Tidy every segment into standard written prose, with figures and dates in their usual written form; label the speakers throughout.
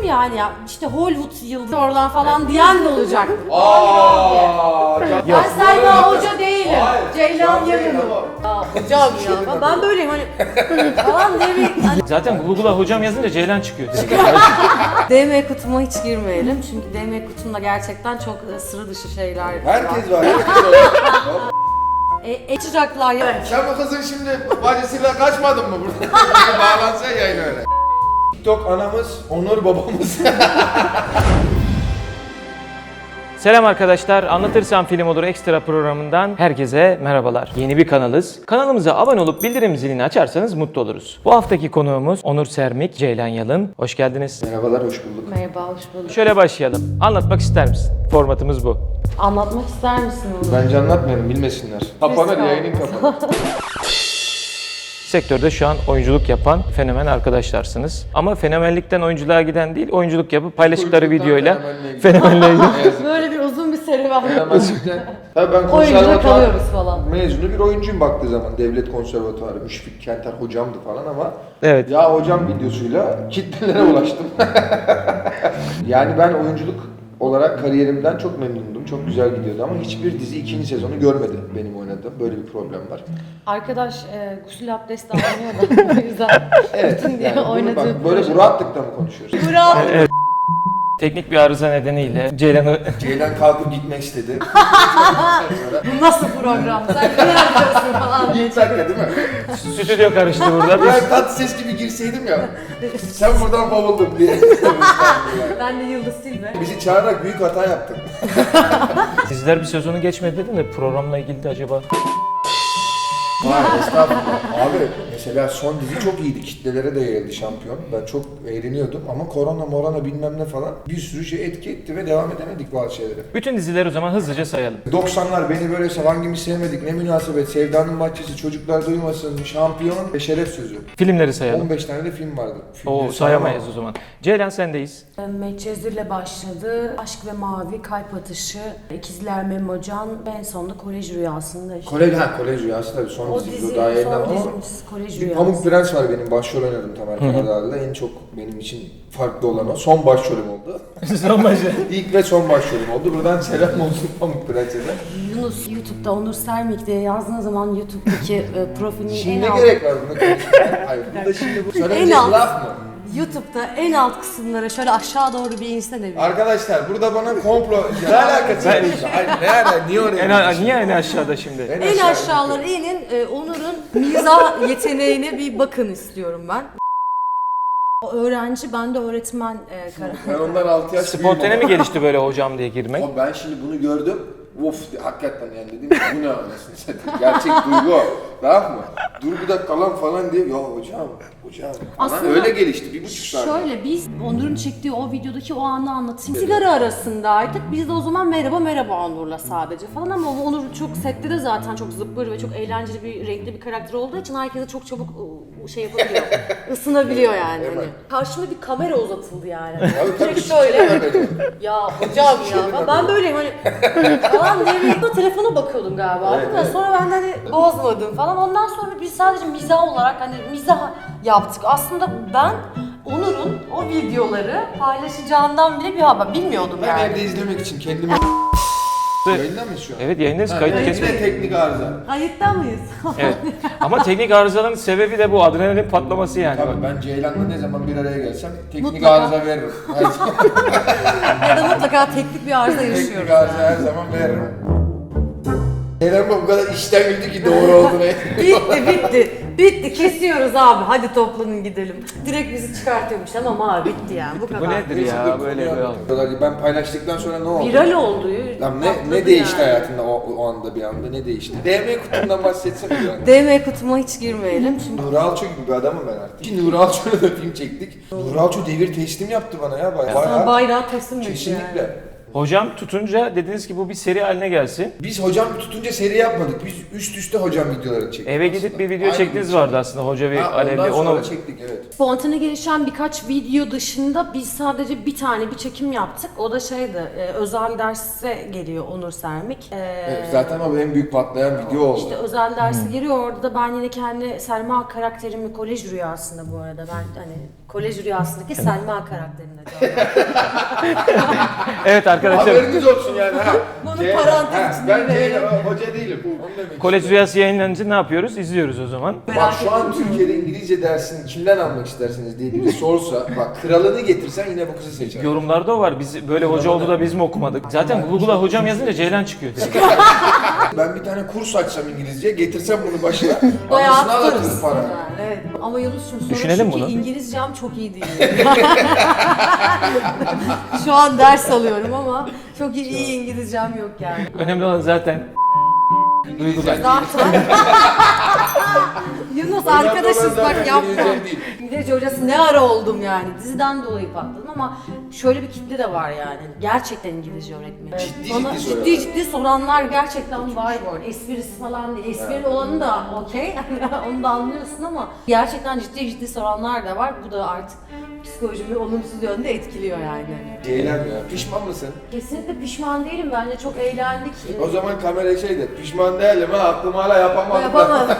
Speaker 1: dedim ya hani ya işte Hollywood yıldızı oradan falan diyen de olacak. Ben Selma Hoca değilim. Ceylan Yalın'ım. Hocam ya ben böyleyim hani falan diye bir... Hani...
Speaker 2: Zaten Google'a hocam yazınca Ceylan çıkıyor.
Speaker 1: DM kutuma hiç girmeyelim çünkü DM kutumda gerçekten çok sıra dışı şeyler var.
Speaker 3: Herkes var. Herkes var.
Speaker 1: Açacaklar ya.
Speaker 3: Sen bu kızın şimdi bacısıyla kaçmadın mı burada? Bağlansa yayın öyle. TikTok anamız, Onur babamız.
Speaker 2: Selam arkadaşlar, Anlatırsam Film Olur Ekstra programından herkese merhabalar. Yeni bir kanalız. Kanalımıza abone olup bildirim zilini açarsanız mutlu oluruz. Bu haftaki konuğumuz Onur Sermik, Ceylan Yalın. Hoş geldiniz.
Speaker 3: Merhabalar, hoş bulduk.
Speaker 1: Merhaba, hoş bulduk.
Speaker 2: Şöyle başlayalım. Anlatmak ister misin? Formatımız bu.
Speaker 1: Anlatmak ister misin onu?
Speaker 3: Bence anlatmayalım, bilmesinler. Kapanır, yayının kapanır.
Speaker 2: Sektörde şu an oyunculuk yapan fenomen arkadaşlarsınız. Ama fenomenlikten oyunculuğa giden değil, oyunculuk yapıp paylaştıkları videoyla fenomenliğe gidiyor.
Speaker 1: Böyle bir uzun bir serüven.
Speaker 3: Fenomenlikten. Tabii ben
Speaker 1: Oyuncuda
Speaker 3: konservatuvar
Speaker 1: kalıyoruz falan.
Speaker 3: mezunu bir oyuncuyum baktığı zaman. Devlet konservatuvarı, Müşfik Kenter hocamdı falan ama
Speaker 2: Evet.
Speaker 3: ya hocam videosuyla kitlelere ulaştım. Yani ben oyunculuk olarak kariyerimden çok memnundum. Çok güzel gidiyordu ama hiçbir dizi ikinci sezonu görmedi benim oynadığım. Böyle bir problem var.
Speaker 1: Arkadaş gusül abdesti almıyor da o yüzden
Speaker 3: Evet.
Speaker 1: bütün diye
Speaker 3: Yani bunu
Speaker 1: oynadığı
Speaker 3: bak, böyle bu rahatlıkla mı konuşuyoruz?
Speaker 1: Bravo.
Speaker 2: Evet. Teknik bir arıza nedeniyle Ceylan'ı
Speaker 3: Ceylan kalkıp gitmek istedi.
Speaker 1: Bu nasıl program? Sen ne yapacaksın falan diye.
Speaker 3: İlk dakika değil mi?
Speaker 2: stüdyo karıştı burada.
Speaker 3: Ben tatlı ses gibi girseydim ya. Sen buradan bovuldun diye.
Speaker 1: Ben de Yıldız Silve.
Speaker 3: Bizi çağırarak büyük hata yaptın.
Speaker 2: Diziler bir sezonu geçmedi dedin de programla ilgili de acaba...
Speaker 3: Vay estağfurullah. Abi mesela son dizi çok iyiydi. Kitlelere de yayıldı şampiyon. Ben çok eğleniyordum ama korona bilmem ne falan bir sürü şey etki etti ve devam edemedik bazı şeylere.
Speaker 2: Bütün dizileri o zaman hızlıca sayalım.
Speaker 3: 90'lar beni böyle hangimiz sevmedik, ne münasebet, Sevdanın Bahçesi, Çocuklar Duymasın, Şampiyon ve Şeref Sözü.
Speaker 2: Filmleri sayalım.
Speaker 3: 15 tane de film vardı.
Speaker 2: Oo,
Speaker 3: Filmleri
Speaker 2: sayamayız o zaman. Ceylan sendeyiz.
Speaker 1: Medcezir'le başladı. Aşk ve Mavi, Kalp Atışı, İkizler Memocan ve en sonunda Kolej Rüyası'nda işte.
Speaker 3: Kolej Rüyası tabii son
Speaker 1: O
Speaker 3: dizi.
Speaker 1: dizi,
Speaker 3: Daha yayınlandı
Speaker 1: son
Speaker 3: ama
Speaker 1: dizimiz Kolej
Speaker 3: bir
Speaker 1: Rüyası.
Speaker 3: Pamuk Prens var benim başrol oynadım Tamer Karadağlı'da. En çok benim için farklı olan o. Son başrolüm oldu.
Speaker 2: Son başı.
Speaker 3: İlk ve son başrolüm oldu. Buradan selam olsun Pamuk Prens'e de.
Speaker 1: Yunus YouTube'da Onur Sermik diye yazdığınız zaman YouTube'daki profilinin
Speaker 3: Şimdi
Speaker 1: en
Speaker 3: ne
Speaker 1: alt...
Speaker 3: gerek var buna konuşmaya? Hayır, burada şimdi bu söyleyecek
Speaker 1: alt-
Speaker 3: laf mı?
Speaker 1: YouTube'da en alt kısımlara şöyle aşağı doğru bir inse de bir.
Speaker 3: Arkadaşlar burada bana komplo... Ne alakası var? Hayır ne alakası? Niye oraya?
Speaker 2: Niye en aşağıda şimdi?
Speaker 1: En aşağılara inin Onur'un mizah yeteneğine bir bakın istiyorum ben. O öğrenci, ben de öğretmen
Speaker 3: Ben ondan 6 yaş
Speaker 2: Spontane mi gelişti böyle hocam diye girmek?
Speaker 3: Ama ben şimdi bunu gördüm. Of hakikaten yani dedim ki bu ne anasını satayım. Gerçek duygu o. Tamam mı? Dur bir dakika lan falan diye. Ya hocam falan
Speaker 1: Aslında
Speaker 3: öyle gelişti 1,5 saat.
Speaker 1: Şöyle biz Onur'un çektiği o videodaki o anı anlatayım. Sigara arasındaydık. Biz de o zaman merhaba Onur'la sadece falan ama Onur çok sette de zaten çok zıppır ve çok eğlenceli bir renkli bir karakter olduğu için herkese çok çabuk şey yapabiliyor. Isınabiliyor yani. Hani. Karşıma bir kamera uzatıldı yani. Direkt şöyle. Ya hocam ya ben böyleyim hani falan diye bir telefona bakıyordum galiba. Evet. Sonra ben de hani bozmadım falan. Ondan sonra biz sadece mizah olarak hani mizah yaptık. Aslında ben Onur'un o videoları paylaşacağından bile bir haber bilmiyordum
Speaker 3: Ben
Speaker 1: yani.
Speaker 3: evde izlemek için kendimi... Yayında mıyız şu an?
Speaker 2: Evet yayındayız, kayıt
Speaker 3: Yine
Speaker 2: kesmedik.
Speaker 3: teknik arıza.
Speaker 1: Kayıtta mıyız?
Speaker 2: Evet. Ama teknik arızaların sebebi de bu adrenalin patlaması yani.
Speaker 3: Tabii ben Ceylan'la ne zaman bir araya gelsem teknik
Speaker 1: Mutlaka.
Speaker 3: arıza veririm. Her zaman
Speaker 1: Ya da mutlaka teknik bir arıza yaşıyoruz.
Speaker 3: teknik arıza her zaman veririm. Ceylan bu kadar işten güldü ki doğru olduğunu.
Speaker 1: Bitti kesiyoruz abi hadi toplanın gidelim. Direkt bizi çıkartıyormuş tamam abi bitti yani bu kadar.
Speaker 2: Bu nedir ya böyle bir
Speaker 3: Ben paylaştıktan sonra ne oldu?
Speaker 1: Viral oldu.
Speaker 3: Lan
Speaker 1: patladı
Speaker 3: ne değişti
Speaker 1: yani.
Speaker 3: hayatında o anda bir anda ne değişti? DM kutumdan bahsetsene yani.
Speaker 1: DM kutuma hiç girmeyelim çünkü.
Speaker 3: Nuri Alço gibi bir adamım ben artık. Şimdi Nuri Alço'yla da film çektik. Nuri Alço devir teslim yaptı bana ya
Speaker 1: Sana
Speaker 3: bayağı.
Speaker 1: bayrağı teslim etti
Speaker 3: Kesinlikle.
Speaker 1: yani.
Speaker 2: Hocam tutunca dediniz ki bu bir seri haline gelsin.
Speaker 3: Biz hocam tutunca seri yapmadık. Biz üst üste hocam videoları çektik.
Speaker 2: Eve
Speaker 3: aslında.
Speaker 2: gidip bir video
Speaker 3: Aynı
Speaker 2: çektiğiniz
Speaker 3: gün
Speaker 2: vardı aslında hoca ve Alevli.
Speaker 3: Ondan sonra
Speaker 2: Onu
Speaker 3: çektik evet.
Speaker 1: Spontane gelişen birkaç video dışında biz sadece bir tane bir çekim yaptık. O da şeydi, özel derse geliyor Onur Sermik.
Speaker 3: Evet, zaten o en büyük patlayan video oldu.
Speaker 1: İşte özel dersi giriyor. Orada da ben yine kendi Selma karakterimi kolej rüyasında bu arada. Ben hani Kolej Rüyası'ndaki Selma karakterine canlandırdım.
Speaker 2: Evet arkadaşlar,
Speaker 3: Haberiniz olsun yani. Ha.
Speaker 1: Bunu
Speaker 3: Ceylan,
Speaker 1: parantez içinde
Speaker 3: ben
Speaker 1: verelim.
Speaker 3: Ceylan, hoca değilim. Onu demek
Speaker 2: Kolej Rüyası yayınlanınca ne yapıyoruz? İzliyoruz o zaman.
Speaker 3: Bak şu an Türkiye'de İngilizce dersini kimden almak istersiniz diye biri sorsa, bak kralını getirsen yine bu kızı seçer.
Speaker 2: Yorumlarda o var. Biz böyle hoca oldu da biz mi okumadık? Zaten Google'a hocam yazınca Ceylan çıkıyor direkt.
Speaker 3: Ben bir tane kurs açsam İngilizce, getirsem bunu başına,
Speaker 1: Bayağı
Speaker 3: anasını
Speaker 1: tutarız.
Speaker 3: ağlatırım para.
Speaker 1: Yani, evet. Ama Yunus'cum sorun
Speaker 2: Düşünelim
Speaker 1: şu ki
Speaker 2: bunu.
Speaker 1: İngilizcem çok iyi değil. Şu an ders alıyorum ama çok iyi İngilizcem yok yani.
Speaker 2: Önemli olan zaten duygular.
Speaker 1: Zaten. Yunus arkadaşız bak yapma.
Speaker 3: İngilizce değil.
Speaker 1: İngilizce hocası ne ara oldum yani. Diziden dolayı patladım ama şöyle bir kitle de var yani. Gerçekten İngilizce öğretmeni.
Speaker 3: Ciddi
Speaker 1: Bana
Speaker 3: ciddi
Speaker 1: ciddi
Speaker 3: soruyorlar.
Speaker 1: ciddi soranlar gerçekten var bu arada. Esprisi falan değil. Esprili olanı da okey. Onu da anlıyorsun ama gerçekten ciddi soranlar da var. Bu da artık psikolojimi olumsuz yönde etkiliyor yani.
Speaker 3: Ceylan ya, pişman mısın?
Speaker 1: Kesinlikle pişman değilim. Bence çok eğlendik.
Speaker 3: O zaman kamera şey de, pişman değilim ha, aklım hala yapamadım.
Speaker 1: Yapamadım.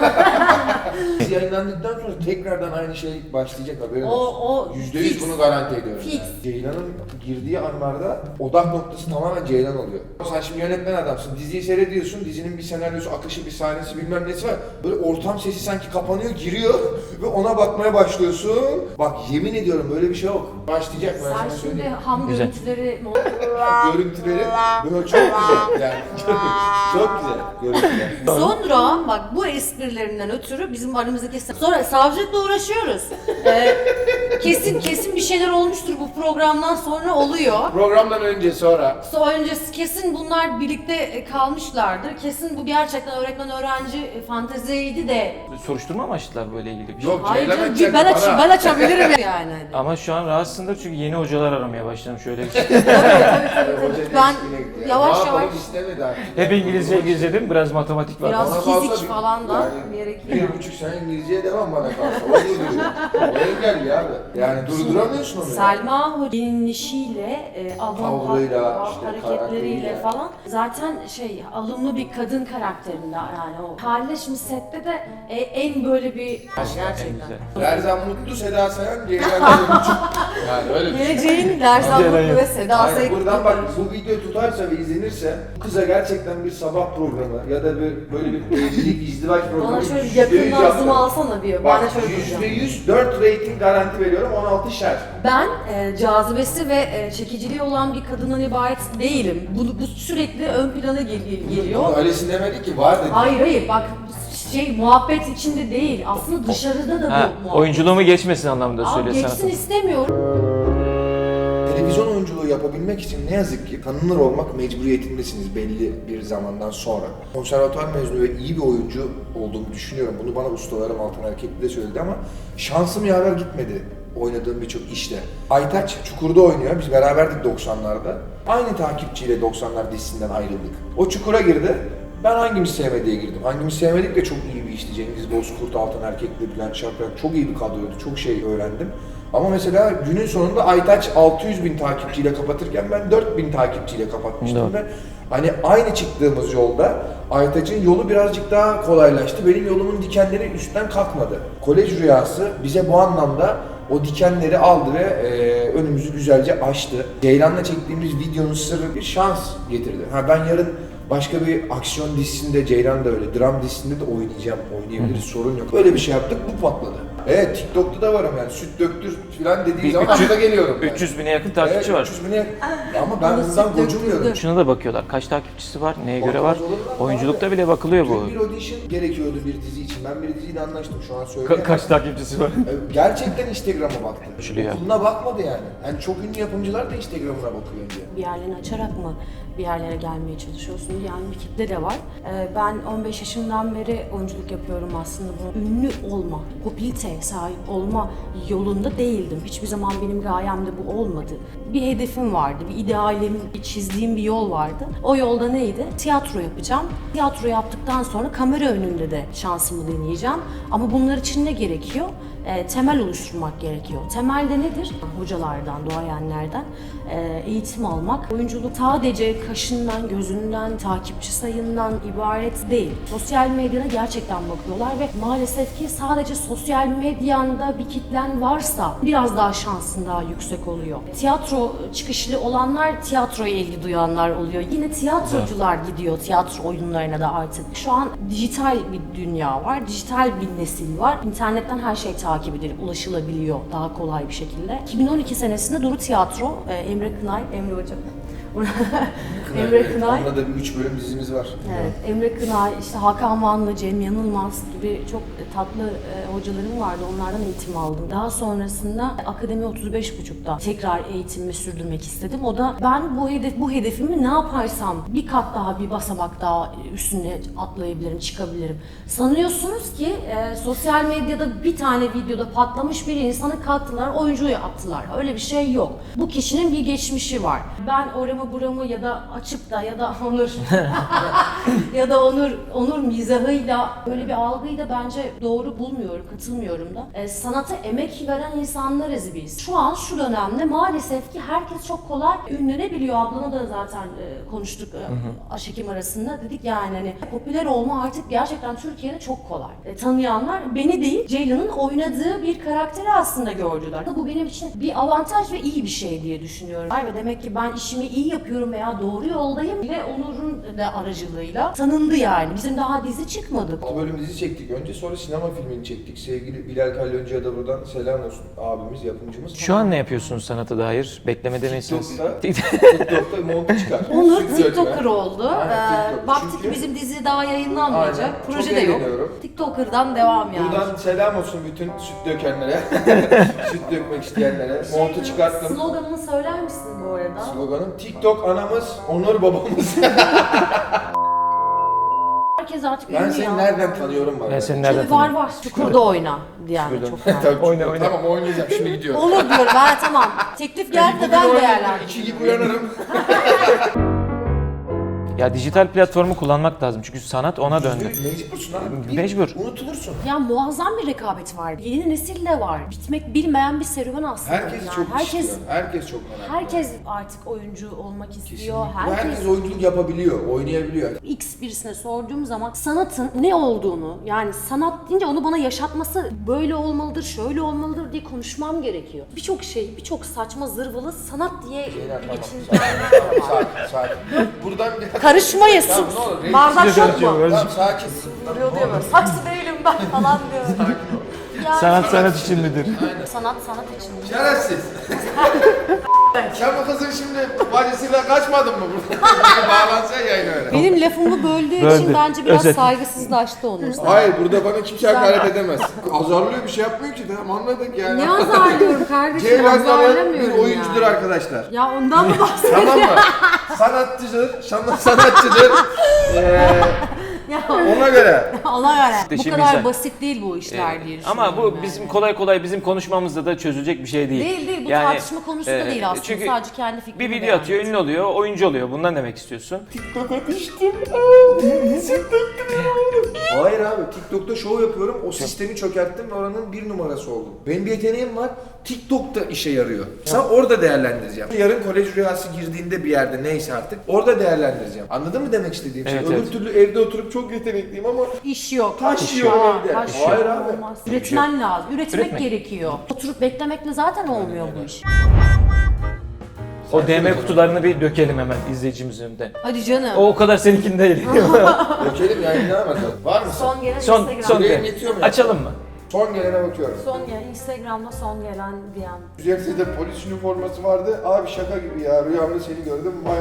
Speaker 3: Biz yayınlandıktan sonra tekrardan aynı şey başlayacak, haberin
Speaker 1: O
Speaker 3: olsun. %100
Speaker 1: fix.
Speaker 3: bunu garanti ediyorum.
Speaker 1: Fix.
Speaker 3: Yani. Ceylan'ın girdiği anlarda odak noktası tamamen Ceylan oluyor. Sen şimdi yönetmen adamsın, diziyi seyrediyorsun, dizinin bir senaryosu, akışı, bir sahnesi bilmem nesi var. Böyle ortam sesi sanki kapanıyor, giriyor ve ona bakmaya başlıyorsun. Bak yemin ediyorum böyle bir şey yok. Başlayacak ben
Speaker 1: Sen
Speaker 3: sana
Speaker 1: şimdi
Speaker 3: söyleyeyim.
Speaker 1: ham
Speaker 2: Güzel.
Speaker 1: görüntüleri
Speaker 3: Görüntüleri böyle çok güzel yani. Çok güzel görüntüler.
Speaker 1: Sonra bak bu esprilerinden ötürü bizim aramızdaki sonra savcılıkla uğraşıyoruz. Kesin bir şeyler olmuştur bu programdan sonra oluyor.
Speaker 3: Programdan önce sonra
Speaker 1: Sonra öncesi kesin bunlar birlikte kalmışlardır. Kesin bu gerçekten öğretmen öğrenci fanteziydi de.
Speaker 2: Soruşturma mı açtılar böyle ilgili bir şey?
Speaker 3: yok
Speaker 1: Hayır
Speaker 3: Ceylan
Speaker 1: canım
Speaker 3: açacak
Speaker 1: ben,
Speaker 3: bana.
Speaker 1: ben açabilirim yani.
Speaker 2: Ama şu an rahatsızsındır çünkü yeni hocalar aramaya başladım şöyle bir şey.
Speaker 3: Hoca
Speaker 1: Ben
Speaker 3: değişikliğine gitti yani.
Speaker 1: yavaş
Speaker 3: Ne yapalım,
Speaker 1: yavaş-
Speaker 3: istemedi artık.
Speaker 2: Hep İngilizce girdim, biraz matematik var.
Speaker 1: Biraz
Speaker 3: Bana kalsa
Speaker 1: fizik
Speaker 3: bir-
Speaker 1: falan da
Speaker 3: yani
Speaker 1: gerekiyor.
Speaker 3: 1,5 sene İngilizceye devam bana kalsa. O duruyor. O engelli abi. Yani durduramıyorsun onu.
Speaker 1: Selma Hoca'nın giyinişiyle,
Speaker 3: Tavrıyla, işte
Speaker 1: hareketleriyle
Speaker 3: karakteriyle.
Speaker 1: falan zaten alımlı bir kadın karakterinde yani o. Haliyle şimdi sette de en böyle bir gerçekten.
Speaker 2: güzel.
Speaker 3: Lerzan Mutlu, Seda Sayan, Ceylan Mutlu. Yani öyle bir şey.
Speaker 1: Geleceğin Lerzan
Speaker 2: Ceylan
Speaker 1: Mutlu
Speaker 2: yok.
Speaker 1: ve Seda
Speaker 3: Aynen,
Speaker 1: Sayan.
Speaker 3: buradan bak bu video tutarsa ve izlenirse bu kıza gerçekten bir sabah programı ya da böyle bir evlilik, izdivaç programı
Speaker 1: Bana şöyle
Speaker 3: %100
Speaker 1: yakın
Speaker 3: yaptım.
Speaker 1: ağzımı alsana bir. Ben
Speaker 3: Bak
Speaker 1: de şöyle diyeceğim.
Speaker 3: %100 4 rating garanti veriyorum, 16 şer.
Speaker 1: Ben cazibesi ve çekiciliği olan bir kadından ibaret değilim. Bu sürekli ön plana geliyor.
Speaker 3: Bunu öylesine demedi ki, var dedi.
Speaker 1: Hayır bak muhabbet içinde değil. Aslında dışarıda da
Speaker 2: Ha,
Speaker 1: bu muhabbet.
Speaker 2: oyunculuğumu geçmesin anlamında
Speaker 1: Abi
Speaker 2: söylüyor
Speaker 1: geçsin
Speaker 2: sana.
Speaker 1: istemiyorum.
Speaker 3: Televizyon oyunculuğu yapabilmek için ne yazık ki tanınır olmak mecburiyetindesiniz belli bir zamandan sonra. Konservatuvar mezunu ve iyi bir oyuncu olduğumu düşünüyorum. Bunu bana ustalarım Altan Erkekli de söyledi ama şansım yaver gitmedi oynadığım birçok işte. Aytaç Çukur'da oynuyor. Biz beraberdik 90'larda. Aynı takipçiyle 90'lar dizisinden ayrıldık. O Çukur'a girdi. Ben hangimiz sevmediye girdim. Hangimiz sevmedik de çok iyi bir işti. Cengiz Bozkurt, Altan Erkekli, Bülent Şaprak çok iyi bir kadroydu. Çok şey öğrendim. Ama mesela günün sonunda Aytaç 600.000 takipçiyle kapatırken ben 4.000 takipçiyle kapatmıştım
Speaker 2: Doğru.
Speaker 3: ve hani aynı çıktığımız yolda Aytaç'ın yolu birazcık daha kolaylaştı. Benim yolumun dikenleri üstten kalkmadı. Kolej Rüyası bize bu anlamda o dikenleri aldı ve önümüzü güzelce açtı. Ceylan'la çektiğimiz videonun sırrı bir şans getirdi. Ben yarın başka bir aksiyon dizisinde, Ceylan da öyle, dram dizisinde de oynayabiliriz, sorun yok. Öyle bir şey yaptık, bu patladı. Evet, TikTok'ta da varım yani, süt döktür falan dediği zaman akla geliyorum. Yani.
Speaker 2: 300 bine yakın takipçi var.
Speaker 3: 300 bine ama ben
Speaker 1: Bana
Speaker 3: bundan
Speaker 1: süt
Speaker 3: gocunmuyorum.
Speaker 1: döktürdü.
Speaker 2: Şuna da bakıyorlar. Kaç takipçisi var, neye göre var?
Speaker 3: Bakmaz olur mu?
Speaker 2: Oyunculukta bile bakılıyor bu.
Speaker 3: Bir audition gerekiyordu bir dizi için. Ben bir diziyle anlaştım, şu an söyleyemem.
Speaker 2: Kaç takipçisi var?
Speaker 3: Gerçekten Instagram'a baktı.
Speaker 2: Şuraya.
Speaker 3: Okuluna bakmadı yani. Yani çok ünlü yapımcılar da Instagram'ına bakıyor önce.
Speaker 1: Bir yerlerini açarak mı bir yerlere gelmeye çalışıyorsun yani bir kitle de var. Ben 15 yaşından beri oyunculuk yapıyorum aslında. Bu ünlü olma, popülariteye sahip olma yolunda değildim. Hiçbir zaman benim gayemde bu olmadı. Bir hedefim vardı, bir idealim, bir çizdiğim bir yol vardı. O yolda neydi? Tiyatro yapacağım. Tiyatro yaptıktan sonra kamera önünde de şansımı deneyeceğim. Ama bunlar için ne gerekiyor? temel oluşturmak gerekiyor. Temel de nedir? Hocalardan, duayenlerden eğitim almak. Oyunculuk sadece kaşından, gözünden, takipçi sayından ibaret değil. Sosyal medyada gerçekten bakıyorlar ve maalesef ki sadece sosyal medyanda bir kitlen varsa biraz daha şansın daha yüksek oluyor. Tiyatro çıkışlı olanlar tiyatroya ilgi duyanlar oluyor. Yine tiyatrocular gidiyor tiyatro oyunlarına da artık. Şu an dijital bir dünya var, dijital bir nesil var. İnternetten her şey takip edilip ulaşılabiliyor daha kolay bir şekilde. 2012 senesinde Duru Tiyatro, Emre Kınay, Emre Hocam. Emre Kınay.
Speaker 3: Onunla da bir 3 bölüm dizimiz var.
Speaker 1: Evet, Emre Kınay, işte Hakan Vanlı, Cem Yanılmaz gibi çok tatlı hocalarım vardı. Onlardan eğitim aldım. Daha sonrasında Akademi 35.5'da tekrar eğitimimi sürdürmek istedim. O da ben bu hedefimi ne yaparsam bir kat daha, bir basamak daha üstüne atlayabilirim, çıkabilirim. Sanıyorsunuz ki sosyal medyada bir tane videoda patlamış bir insanı kalktılar, oyuncu yaptılar. Öyle bir şey yok. Bu kişinin bir geçmişi var. Ben oramı buramı ya da açıp da ya da Onur ya da Onur mizahıyla böyle bir algıyı da bence doğru bulmuyorum, katılmıyorum da. Sanata emek veren insanlarız biz. Şu an şu dönemde maalesef ki herkes çok kolay ünlenebiliyor. Ablana da zaten konuştuk aşekim arasında. Dedik yani hani popüler olma artık gerçekten Türkiye'de çok kolay. Tanıyanlar beni değil, Ceylan'ın oynadığı bir karakteri aslında gördüler. Bu benim için bir avantaj ve iyi bir şey diye düşünüyorum. Ve demek ki ben işimi iyi yapıyorum veya doğru yoldayım ve Onur'un da aracılığıyla tanındı yani. Bizim daha dizi çıkmadı.
Speaker 3: 6 bölüm dizi çektik önce, sonra sinema filmini çektik. Sevgili Bilal Kalyoncu'ya da buradan selam olsun, abimiz, yapımcımız.
Speaker 2: Şu an ne yapıyorsunuz sanata dair? Beklemede misiniz?
Speaker 3: TikTok'ta montu çıkar.
Speaker 1: Onur
Speaker 3: Stüdyo
Speaker 1: TikToker oldu.
Speaker 3: Aynen, TikTok.
Speaker 1: Baktık
Speaker 3: Çünkü-
Speaker 1: ki bizim dizi daha yayınlanmayacak.
Speaker 3: Aynen,
Speaker 1: Proje
Speaker 3: çok
Speaker 1: de yok.
Speaker 3: eğleniyorum.
Speaker 1: TikToker'dan devam yani.
Speaker 3: Buradan selam olsun bütün süt dökenlere, süt dökmek isteyenlere. Montu çıkarttım.
Speaker 1: Sloganını söyler misin bu arada?
Speaker 3: Sloganım TikTok anamız, Onur babamız.
Speaker 1: Herkes artık
Speaker 3: Ben
Speaker 1: ünlü
Speaker 3: seni
Speaker 1: ya.
Speaker 3: nereden tanıyorum var.
Speaker 2: Ben seni
Speaker 1: Çünkü
Speaker 2: nereden
Speaker 1: var
Speaker 2: tanıyorum?
Speaker 1: var. Çukurda oyna diyenler çok var.
Speaker 3: Tabii,
Speaker 2: Oyna, oyna.
Speaker 3: Tamam oynayacağım, şimdi gidiyorum.
Speaker 1: Olur diyorum ben tamam. Teklif geldi de ben değerlendirdim.
Speaker 3: 2 gibi uyanırım.
Speaker 2: Ya dijital platformu kullanmak lazım çünkü sanat ona döndü.
Speaker 3: Mecbursun abi.
Speaker 2: Mecbur.
Speaker 3: Unutulursun.
Speaker 1: Ya muazzam bir rekabet var. Yeni nesil de var. Bitmek bilmeyen bir serüven aslında.
Speaker 3: Herkes
Speaker 1: yani.
Speaker 3: çok
Speaker 1: herkes
Speaker 3: istiyor. Herkes çok merak
Speaker 1: herkes artık oyuncu olmak istiyor.
Speaker 3: Kesinlikle. Herkes oyunculuk yapabiliyor, oynayabiliyor.
Speaker 1: X birisine sorduğum zaman sanatın ne olduğunu, yani sanat deyince onu bana yaşatması böyle olmalıdır, şöyle olmalıdır diye konuşmam gerekiyor. Birçok şey, birçok saçma zırvalı sanat diye
Speaker 3: Tamam,
Speaker 1: geçindirenler de var.
Speaker 3: sakin. Buradan bir...
Speaker 1: Karışmayın,
Speaker 3: Tamam,
Speaker 1: sus.
Speaker 3: ne olur, reis-
Speaker 1: Bardak yok mu?
Speaker 3: Tamam, sakin.
Speaker 1: Vuruyor diyor böyle. Saksı değilim ben falan diyor. Yani
Speaker 2: Sanat için midir?
Speaker 1: sanat için.
Speaker 3: Şerefsiz. Sen bu kızın şimdi bacısıyla kaçmadın mı burada? Bağlansa yayın öyle.
Speaker 1: Benim lafımı böldüğü
Speaker 2: Böldü.
Speaker 1: için bence biraz
Speaker 2: Özet.
Speaker 1: saygısızlaştı Onur.
Speaker 3: Hayır, burada bana kimse hakaret edemez. Azarlıyor, bir şey yapmıyor ki, tamam anladık yani.
Speaker 1: Ne azarlıyorum kardeşim,
Speaker 3: Ceylan Karan bir
Speaker 1: azarlamıyorum
Speaker 3: oyuncudur
Speaker 1: yani.
Speaker 3: arkadaşlar.
Speaker 1: Ya ondan mı bahsediyorsun?
Speaker 3: Tamam mı? Sanatçıdır, sanatçıdır.
Speaker 1: Ya
Speaker 3: Ona göre.
Speaker 1: ona göre. Bu
Speaker 2: Şimdi
Speaker 1: kadar
Speaker 2: sen-
Speaker 1: basit değil bu işler diye
Speaker 2: Ama bu
Speaker 1: düşünüyorum yani.
Speaker 2: bizim kolay kolay bizim konuşmamızda da çözülecek bir şey değil.
Speaker 1: Değil bu tartışma konusu da değil aslında.
Speaker 2: Çünkü
Speaker 1: Sadece kendi fikrimi
Speaker 2: bir video
Speaker 1: beyan
Speaker 2: atıyor,
Speaker 1: ettim.
Speaker 2: ünlü oluyor, oyuncu oluyor. Bundan demek istiyorsun.
Speaker 3: TikTok'a düştüm. Hayır abi, TikTok'ta show yapıyorum. O sistemi çökerttim ve oranın bir numarası oldum. Benim bir yeteneğim var. TikTok'ta işe yarıyor. Sen orada değerlendireceğim. Yarın kolej rüyası girdiğinde bir yerde, neyse artık, orada değerlendireceğim. Anladın mı demek istediğim şey?
Speaker 2: Evet,
Speaker 3: Öbür
Speaker 2: evet.
Speaker 3: türlü evde oturup çok yetenekliyim ama
Speaker 1: İş yok.
Speaker 3: taş yiyor evde.
Speaker 1: Taş
Speaker 3: Hayır
Speaker 1: yok,
Speaker 3: abi.
Speaker 1: olmaz. Üretmen lazım. Üretmek
Speaker 2: Üretmek.
Speaker 1: gerekiyor. Oturup beklemekle zaten olmuyor bu iş.
Speaker 2: O DM kutularını bir dökelim hemen izleyicimizin önünde.
Speaker 1: Hadi canım.
Speaker 2: O kadar seninkinde değil.
Speaker 3: Dökelim yayınlayamadım. Var mısın?
Speaker 1: Son gelen
Speaker 2: son
Speaker 1: Instagram.
Speaker 2: son
Speaker 3: Yüreğim yetiyor mu ya?
Speaker 2: açalım mı?
Speaker 3: Son gelene bakıyorum.
Speaker 1: Son gelen Instagram'da son gelen diyen.
Speaker 3: Üzerinde polis üniforması vardı. Abi şaka gibi ya, rüyamda seni gördüm. Vay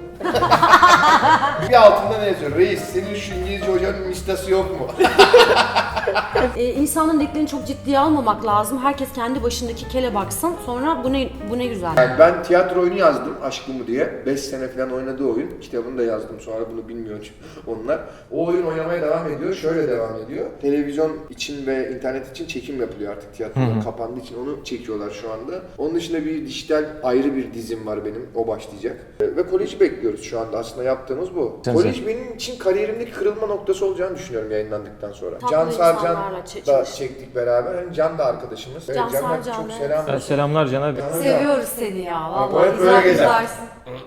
Speaker 3: bir altında ne yazıyor? Reis, senin şu İngilizce hocanın listesi yok mu?
Speaker 1: İnsanın dediklerini çok ciddiye almamak lazım. Herkes kendi başındaki kele baksın. Sonra bu ne güzel.
Speaker 3: Yani ben tiyatro oyunu yazdım, Aşkımı diye. 5 sene falan oynadığı oyun. Kitabını da yazdım, sonra bunu bilmiyor onlar. O oyun oynamaya devam ediyor. Şöyle devam ediyor. Televizyon için ve internet için çekim yapılıyor artık, tiyatrolar kapandığı için onu çekiyorlar şu anda. Onun dışında bir dijital ayrı bir dizim var benim, o başlayacak. Ve koleji bekliyoruz şu anda, aslında yaptığımız bu.
Speaker 2: Sen
Speaker 3: Kolej benim için kariyerimdeki kırılma noktası olacağını düşünüyorum yayınlandıktan sonra.
Speaker 1: Tatlı
Speaker 3: Can
Speaker 1: güzel. insanlarla
Speaker 3: da
Speaker 1: çalıştık.
Speaker 3: çektik beraber. Hani Can da arkadaşımız. Evet,
Speaker 1: Can
Speaker 3: Can'a
Speaker 1: Sarcan,
Speaker 3: çok
Speaker 1: evet.
Speaker 3: selam olsun.
Speaker 2: Selamlar Can abi.
Speaker 1: Seviyoruz seni ya.
Speaker 3: O
Speaker 1: Vallahi
Speaker 3: hep böyle
Speaker 1: güzel
Speaker 3: gezer.
Speaker 1: güzelsin.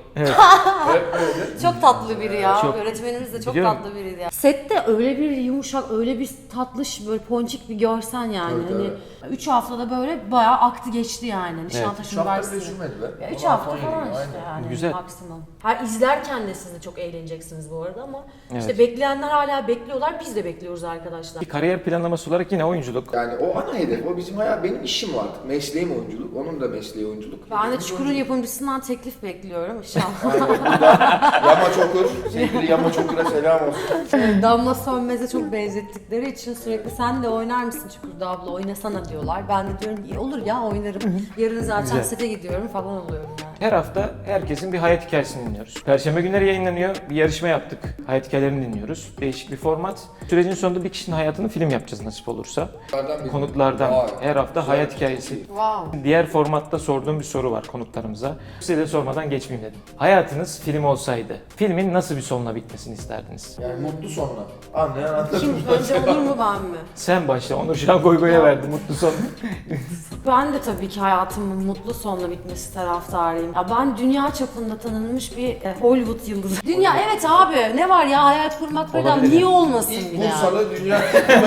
Speaker 3: Hep böyle.
Speaker 1: Çok tatlı biri ya.
Speaker 2: Çok.
Speaker 1: Öğretmenimiz de çok
Speaker 2: Biliyorum.
Speaker 1: tatlı biriydi ya. Sette öyle bir yumuşak, öyle bir tatlış, böyle ponçik bir görsen yani.
Speaker 3: Evet,
Speaker 1: Hani
Speaker 3: evet.
Speaker 1: 3 haftada böyle bayağı aktı geçti yani. Nişantaşı
Speaker 3: Şu hafta bile
Speaker 1: Üniversitesi.
Speaker 3: sürmedi be.
Speaker 1: 3
Speaker 3: 16,
Speaker 1: hafta
Speaker 3: 17
Speaker 1: falan
Speaker 3: gün,
Speaker 1: işte
Speaker 3: aynen.
Speaker 1: yani
Speaker 2: Güzel.
Speaker 1: maksimum. Her izlerken de siz de çok eğleneceksiniz bu arada ama
Speaker 2: Evet.
Speaker 1: işte bekleyenler hala bekliyorlar. Biz de bekliyoruz arkadaşlar.
Speaker 2: Bir kariyer planlaması olarak yine oyunculuk.
Speaker 3: Yani o ana hedef, o bizim hayat, benim işim o artık. Mesleğim oyunculuk, onun da mesleği oyunculuk.
Speaker 1: Ben de
Speaker 3: Hepimiz
Speaker 1: Çukur'un
Speaker 3: oyunculuk.
Speaker 1: yapımcısından teklif bekliyorum inşallah.
Speaker 3: Aynen, buradan Yamaç Okur, sevgili Yamaç Okur'a selam olsun.
Speaker 1: Damla Sönmez'e çok benzettikleri için sürekli sen de oynar mısın Çukur'da abla oynasana diyorlar. Ben de diyorum iyi olur ya oynarım. Yarın zaten
Speaker 2: Güzel.
Speaker 1: sete gidiyorum falan oluyorum yani.
Speaker 2: Her hafta herkesin bir hayat hikayesini dinliyoruz. Perşembe günleri yayınlanıyor. Bir yarışma yaptık. Hayat hikayelerini dinliyoruz. Değişik bir format. Sürecin sonunda bir kişinin hayatını film yapacağız nasip olursa. Konuklardan
Speaker 3: Vay,
Speaker 2: her hafta
Speaker 3: güzel
Speaker 2: hayat
Speaker 3: bir
Speaker 2: hikayesi.
Speaker 1: Wow.
Speaker 2: Diğer formatta sorduğum bir soru var konuklarımıza. Size de sormadan geçmeyeyim dedim. Hayatınız film olsaydı, filmin nasıl bir sonla bitmesini isterdiniz?
Speaker 3: Yani mutlu sonla. Anlayan anladım.
Speaker 1: Kim önce olur mu ben mi?
Speaker 2: Sen başla, Onur şu an goy goya verdi mutlu son.
Speaker 1: Ben de tabii ki hayatımın mutlu sonla bitmesi taraftarıyım. Ya ben dünya çapında tanınmış bir Hollywood yıldızı. Dünya evet abi ne var ya hayat kurmak falan
Speaker 2: Olabilir
Speaker 1: niye
Speaker 2: yani.
Speaker 1: olmasın
Speaker 3: İlk
Speaker 1: bile yani.
Speaker 3: Bursa'da dünya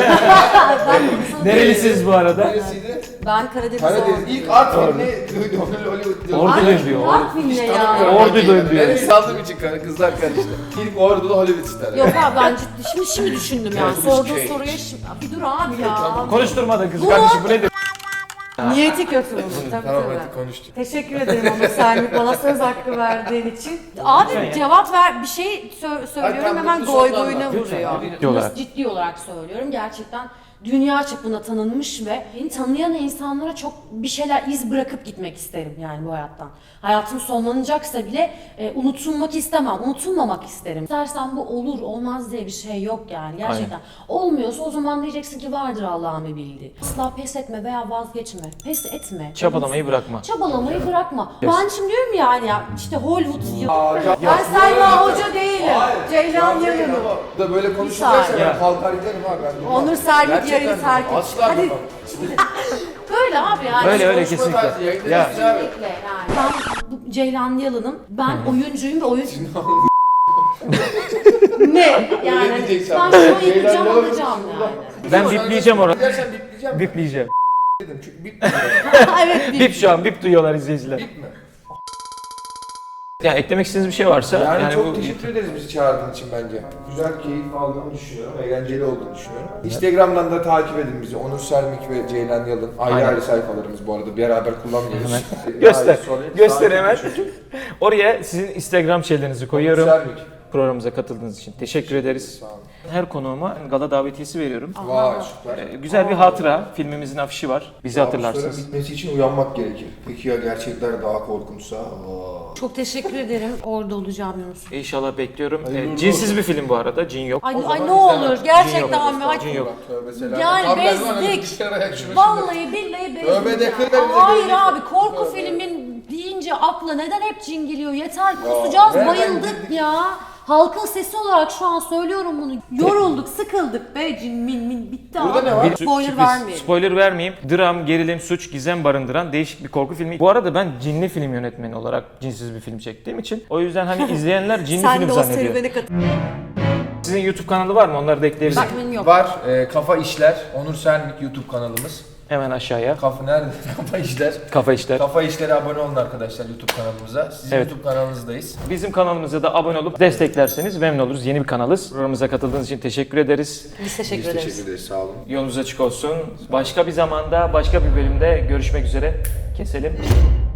Speaker 1: Ben Bursa'da
Speaker 2: Nerelisiniz bu arada?
Speaker 3: neresiydi?
Speaker 1: Ben Karadeniz
Speaker 3: Karadeniz. İlk art filmi Hollywood diyor.
Speaker 2: Ordu diyor.
Speaker 1: Artvin'le ya.
Speaker 2: Ordu diyor.
Speaker 3: Beni saldığım için kızlar karıştı. İlk Ordu'da Hollywood ister.
Speaker 1: Yok abi ben şimdi düşündüm yani.
Speaker 3: Nicolas
Speaker 1: Sorduğun
Speaker 3: Cage.
Speaker 1: soruya şimdi... Bir dur abi ya.
Speaker 2: Konuşturma da kızı kardeşim bu nedir?
Speaker 1: Niyeti kötü oldu tabii
Speaker 3: Tamam
Speaker 1: tabii.
Speaker 3: hadi konuştuk.
Speaker 1: Teşekkür ederim ama Selmik bana söz hakkı verdiğin için. Abi
Speaker 2: Lütfen ya.
Speaker 1: cevap ver bir şey söylüyorum
Speaker 3: tamam,
Speaker 1: hemen
Speaker 3: mutlu
Speaker 1: goy
Speaker 3: sonla
Speaker 1: goyuna
Speaker 3: anlat.
Speaker 1: vuruyor.
Speaker 2: Ciddi olarak.
Speaker 1: Nasıl ciddi olarak söylüyorum gerçekten dünya çapında tanınmış ve beni tanıyan insanlara çok bir şeyler iz bırakıp gitmek isterim yani bu hayattan. Hayatım sonlanacaksa bile unutulmak istemem, unutulmamak isterim. İstersen bu olur, olmaz diye bir şey yok yani gerçekten. Olmuyorsa o zaman diyeceksin ki vardır Allah'ın bir bildiği. Asla pes etme veya vazgeçme, pes etme.
Speaker 2: Çabalamayı bırakma.
Speaker 1: Çabalamayı bırakma.
Speaker 2: Yes.
Speaker 1: Ben şimdi diyorum yani ya işte Hollywood yıl.
Speaker 3: ya-
Speaker 1: Ben Selma Hoca değilim. Ceylan
Speaker 3: Yanım.
Speaker 1: Yalın'ım.
Speaker 3: Da böyle konuşacaksa
Speaker 1: saniye.
Speaker 3: ben kalkar giderim abi ben. durmam.
Speaker 1: Onur Sermik
Speaker 3: Gerçekten
Speaker 1: yayını terk et.
Speaker 3: Asla
Speaker 1: Hadi.
Speaker 3: durmam.
Speaker 1: Böyle abi yani.
Speaker 2: Öyle öyle
Speaker 3: Konuşma
Speaker 2: kesinlikle.
Speaker 3: tarzı, yayında
Speaker 2: Ya
Speaker 3: biz abi.
Speaker 1: Kesinlikle yani. Ben bu Ceylan Yalın'ım. Ben oyuncuyum ve oyun... ne? Yani ben
Speaker 3: diyeceksin.
Speaker 1: şunu yapacağım
Speaker 3: Ceylan Yalın
Speaker 1: alacağım
Speaker 3: burada.
Speaker 1: yani.
Speaker 2: ben bipleyeceğim orayı.
Speaker 3: Gidersen bipleyeceğim.
Speaker 2: Bipleyeceğim.
Speaker 3: Dedim çünkü bipleyeceğim.
Speaker 1: Evet bir
Speaker 2: Bip şu an bip duyuyorlar izleyiciler.
Speaker 3: Bip mi?
Speaker 2: Ya eklemek istediğiniz bir şey varsa
Speaker 3: Yani, çok
Speaker 2: bu
Speaker 3: teşekkür ederiz bizi çağırdığın için bence. Güzel keyif aldığımı düşünüyorum, eğlenceli olduğunu düşünüyorum. Instagram'dan da takip edin bizi. Onur Sermik ve Ceylan Yalın. Ayrı
Speaker 2: Aynen.
Speaker 3: ayrı sayfalarımız bu arada. Beraber kullanmıyoruz.
Speaker 2: göster.
Speaker 3: Sonra
Speaker 2: Göster
Speaker 3: takip
Speaker 2: hemen.
Speaker 3: edin.
Speaker 2: Oraya sizin Instagram şeylerinizi koyuyorum.
Speaker 3: Sermik.
Speaker 2: Programımıza katıldığınız için teşekkür ederiz.
Speaker 3: Sağ olun.
Speaker 2: Her konuğuma gala davetiyesi veriyorum.
Speaker 3: Vay süper.
Speaker 2: Güzel bir hatıra. Filmimizin afişi var. Bizi
Speaker 3: Kabusların
Speaker 2: hatırlarsınız.
Speaker 3: bitmesi için uyanmak gerekir. Peki ya gerçekler daha korkunçsa?
Speaker 1: Çok teşekkür ederim. Orada olacağım Yunus.
Speaker 2: İnşallah bekliyorum.
Speaker 3: Hayırlı
Speaker 2: Cinsiz bir film bu arada. Cin yok.
Speaker 1: Ay,
Speaker 3: O zaman
Speaker 1: ay ne
Speaker 3: izlemem.
Speaker 1: olur gerçekten mi? Ay,
Speaker 2: Cin yok.
Speaker 3: Tövbe selam.
Speaker 1: Yani
Speaker 3: Tam ben var ya,
Speaker 1: bezdik.
Speaker 3: bilgisayara ayak şunu
Speaker 1: Vallahi billahi bezdik.
Speaker 3: Tövbe de
Speaker 1: ya.
Speaker 3: kır, bize
Speaker 1: Hayır
Speaker 3: bezdik.
Speaker 1: abi korku
Speaker 3: Tövbe.
Speaker 1: filmin deyince akla neden hep cin geliyor? Yeter kusacağız
Speaker 3: nereden
Speaker 1: bayıldık
Speaker 3: girdik?
Speaker 1: ya. Halkın sesi olarak şu an söylüyorum bunu. Yorulduk, sıkıldık be cin min bitti
Speaker 3: Burada
Speaker 1: abi.
Speaker 3: ne var?
Speaker 1: Spoiler
Speaker 2: Sürpriz.
Speaker 1: vermeyelim.
Speaker 2: Spoiler vermeyeyim. Dram, gerilim, suç, gizem barındıran değişik bir korku filmi. Bu arada ben cinli film yönetmeni olarak cinsiz bir film çektiğim için o yüzden hani izleyenler cinli
Speaker 1: Sen
Speaker 2: film
Speaker 1: de o
Speaker 2: zannediyor.
Speaker 1: serüvene katıl.
Speaker 2: Sizin YouTube kanalı var mı? Onları da ekleyebilirim.
Speaker 1: Bak benim yok.
Speaker 3: Var. Kafa İşler. Onur Sermik YouTube kanalımız.
Speaker 2: Hemen aşağıya.
Speaker 3: Kafa nerede? Kafa İşler.
Speaker 2: Kafa işler.
Speaker 3: Kafa İşler'e abone olun arkadaşlar YouTube kanalımıza. Sizin
Speaker 2: Evet.
Speaker 3: YouTube kanalınızdayız.
Speaker 2: Bizim kanalımıza da abone olup desteklerseniz memnun oluruz. Yeni bir kanalız. Programımıza katıldığınız için teşekkür ederiz.
Speaker 1: Biz teşekkür
Speaker 3: Biz
Speaker 1: ederiz.
Speaker 3: teşekkür ederiz. Sağ olun.
Speaker 2: Yolunuz açık olsun. Başka bir zamanda, başka bir bölümde görüşmek üzere. Keselim.